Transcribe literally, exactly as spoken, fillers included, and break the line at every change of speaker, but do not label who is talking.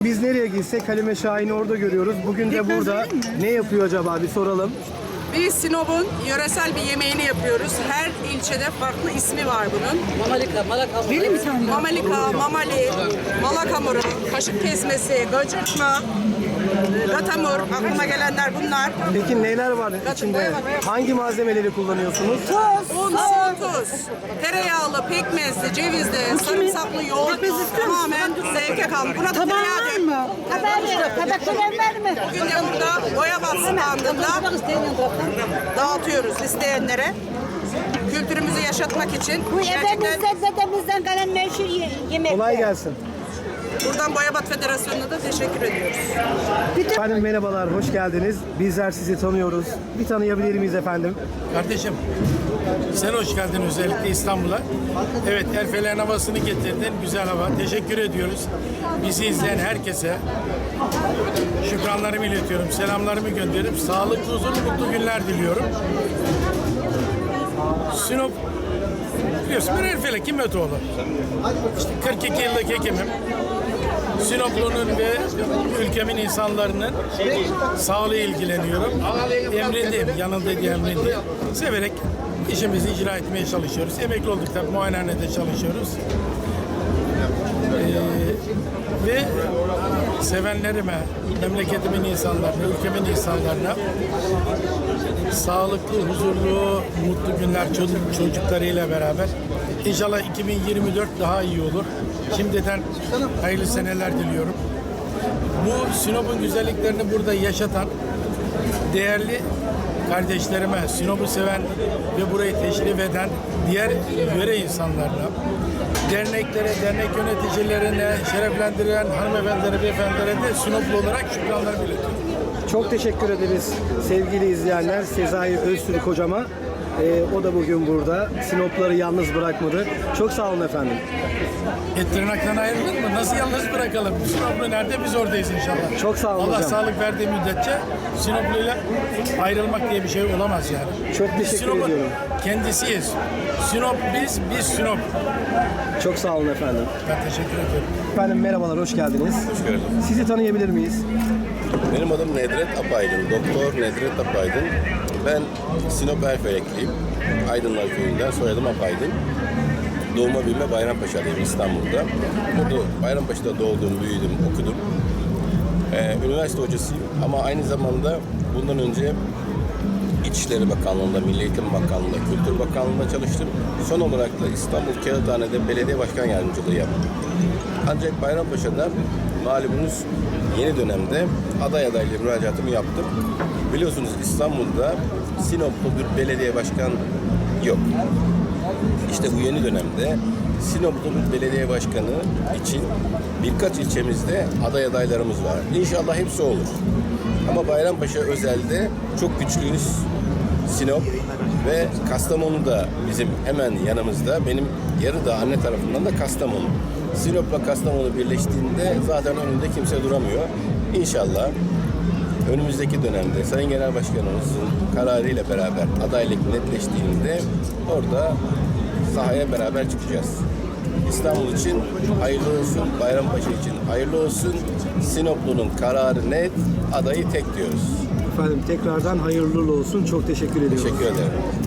Biz nereye gitsek Halime Şahin'i orada görüyoruz. Bugün de burada. Ne yapıyor acaba bir soralım.
Biz Sinop'un yöresel bir yemeğini yapıyoruz. Her ilçede farklı ismi var bunun.
Mamalika, malaka.
Benim bir tane. Mamalika, mamali, malak hamuru, kaşık kesmesi, gıcırtma, gatamur, aklıma gelenler bunlar.
Peki neler var içinde? Hangi malzemeleri kullanıyorsunuz?
Tuz, un, su, tuz, tereyağlı, pekmezli, cevizli, sarımsaklı yoğurt, tamamen zevke kalmış. Buna da tereyağı dök.
Haber tabakçılar var mı?
Bugün de burada Boyabat standında dağıtıyoruz isteyenlere. Kültürümüzü yaşatmak için.
Bu
Gerçekten
ebemizden, dedemizden kalan meşhur ye- yemekler.
Kolay gelsin.
buradan Boyabat Federasyonu'na da teşekkür ediyoruz.
Efendim merhabalar, hoş geldiniz. Bizler sizi tanıyoruz. Bir tanıyabilir miyiz efendim?
Kardeşim, sen hoş geldin özellikle İstanbul'a. Evet, Erfelek'in havasını getirdin, güzel hava. Teşekkür ediyoruz. Bizi izleyen herkese şükranlarımı iletiyorum, selamlarımı gönderiyorum. Sağlıklı, huzurlu, mutlu günler diliyorum. Sinop, biliyorsun ben Erfelek, Himetoğlu. İşte kırk iki yıllık hekimim. Sinoplu'nun ve ülkemin insanların sağlığı ilgileniyorum. Emrindeyim, yanındaki emrindeyim. Severek işimizi icra etmeye çalışıyoruz. Emekli olduk tabii, muayenehanede çalışıyoruz. Ee, ve sevenlerime, memleketimin insanlarına, ülkemin insanlarına sağlıklı, huzurlu, mutlu günler çocuk, çocuklarıyla beraber. İnşallah iki bin yirmi dört daha iyi olur. Şimdiden hayırlı seneler diliyorum. Bu Sinop'un güzelliklerini burada yaşatan değerli kardeşlerime, Sinop'u seven ve burayı teşrif eden diğer yöre insanlarına, derneklere, dernek yöneticilerine, şereflendiren hanımefendilere, beyefendilere de Sinoplu olarak şükranlarımı iletiyorum.
Çok teşekkür ederiz sevgili izleyenler. Sezai Öztürk hocama. Ee, o da bugün burada. Sinopları yalnız bırakmadı. Çok sağ olun efendim.
Et tırnaktan ayrılır mı? Nasıl yalnız bırakalım? Sinoplu nerede? Biz oradayız inşallah.
Çok sağ olun
Allah
hocam.
sağlık verdiği müddetçe Sinoplu'yla ayrılmak diye bir şey olamaz yani.
Çok
Biz
teşekkür
Sinop'un
ediyorum.
kendisiyiz. Sinop biz, biz Sinop.
Çok sağ olun efendim.
Ben teşekkür ediyorum.
Efendim merhabalar, hoş geldiniz.
Hoş geldin.
Sizi tanıyabilir miyiz?
Benim adım Nedret Apaydın. Doktor Nedret Apaydın. Ben Sinop Erfelekliyim. Aydınlar Köyü'nden, soyadım Apaydın. Doğma büyüme Bayrampaşa'lıyım, İstanbul'da. Burada Bayrampaşa'da doğdum, büyüdüm, okudum. Ee, üniversite hocasıyım ama aynı zamanda bundan önce İçişleri Bakanlığı'nda, Milli Eğitim Bakanlığı'nda, Kültür Bakanlığı'nda çalıştım. Son olarak da İstanbul Kağıthane'de belediye başkan yardımcılığı yaptım. Ancak Bayrampaşa'da malumunuz yeni dönemde aday adaylığı müracaatımı yaptım. Biliyorsunuz İstanbul'da Sinoplu bir belediye başkan yok. İşte bu yeni dönemde Sinoplu bir belediye başkanı için birkaç ilçemizde aday adaylarımız var. İnşallah hepsi olur. Ama Bayrampaşa özelde çok güçlüyüz. Sinop ve Kastamonu da bizim hemen yanımızda. Benim yarıda anne tarafından da Kastamonu. Sinop'la Kastamonu birleştiğinde zaten önünde kimse duramıyor. İnşallah önümüzdeki dönemde Sayın Genel Başkanımızın kararıyla beraber adaylık netleştiğinde orada sahaya beraber çıkacağız. İstanbul için hayırlı olsun, Bayrampaşa için hayırlı olsun. Sinoplu'nun kararı net, adayı tek diyoruz.
Efendim tekrardan hayırlı olsun. Çok teşekkür ediyorum.
Teşekkür ederim.